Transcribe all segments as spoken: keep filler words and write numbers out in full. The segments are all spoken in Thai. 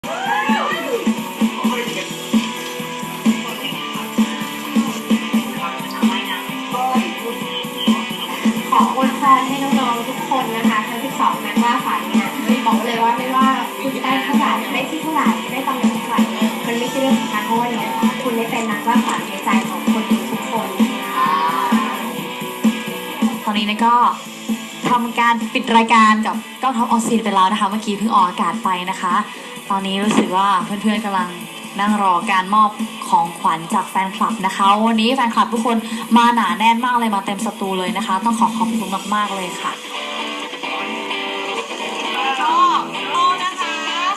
ขออวยพรให้น้องๆทุกคนนะคะทั้งสิบสองนักล่าฝันเนี่ยบอกเลยว่าไม่ว่าคุณจะได้เท่าไหร่ได้ที่เท่าไหร่ได้ตำแหน่งเท่าไหร่มันไม่ใช่เรื่องสำคัญเพราะว่าเนี่ยคุณได้เป็นนักล่าฝันในใจของคนทุกคนตอนนี้เนี่ยก็ทำการปิดรายการกับก้าวท็อปออซีนไปแล้วนะคะเมื่อกี้เพิ่งออกอากาศไปนะคะ ตอนนี้รู้สึกว่าเพื่อนๆกำลังนั่งรอการมอบของขวัญจากแฟนคลับนะคะวันนี้แฟนคลับทุกคนมาหนาแน่นมากเลยมาเต็มสตูเลยนะคะ ต้องขอขอบคุณมากๆเลยค่ะโอ้โอ้นะคะ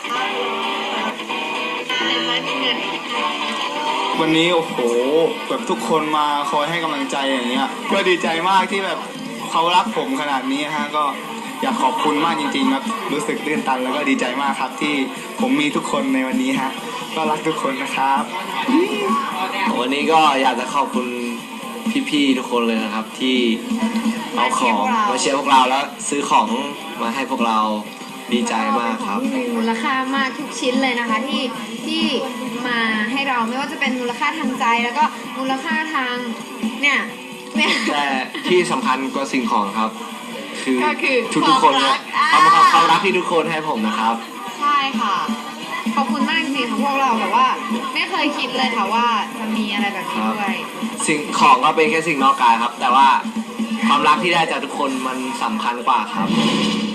วันนี้โอ้โหแบบทุกคนมาคอยให้กำลังใจอย่างเงี้ยก็ดีใจมากที่แบบเขารักผมขนาดนี้ฮะก็อยากขอบคุณมากจริงๆครับรู้สึกตื้นตันแล้วก็ดีใจมากครับที่ผมมีทุกคนในวันนี้ฮะก็รักทุกคนนะครับวันนี้ก็อยากจะขอบคุณพี่ๆทุกคนเลยนะครับที่เอาของมาเชียร์พวกเราแล้วซื้อของมาให้พวกเราดีใจมากครับมีมูลค่ามากทุกชิ้นเลยนะคะที่ที่มาให้เราไม่ว่าจะเป็นมูลค่าทางใจแล้วก็มูลค่าทางเนี่ยเนี่ยแต่ที่สำคัญกว่าสิ่งของครับคือทุกทุกคนเนี่ยความความรักที่ทุกคนให้ผมนะครับใช่ค่ะขอบคุณมากจริงๆของพวกเราแบบว่าไม่เคยคิดเลยค่ะว่าจะมีอะไรแบบนี้ด้วยสิ่งของก็เป็นแค่สิ่งนอกกายครับแต่ว่าความรักที่ได้จากทุกคนมันสำคัญกว่าครับ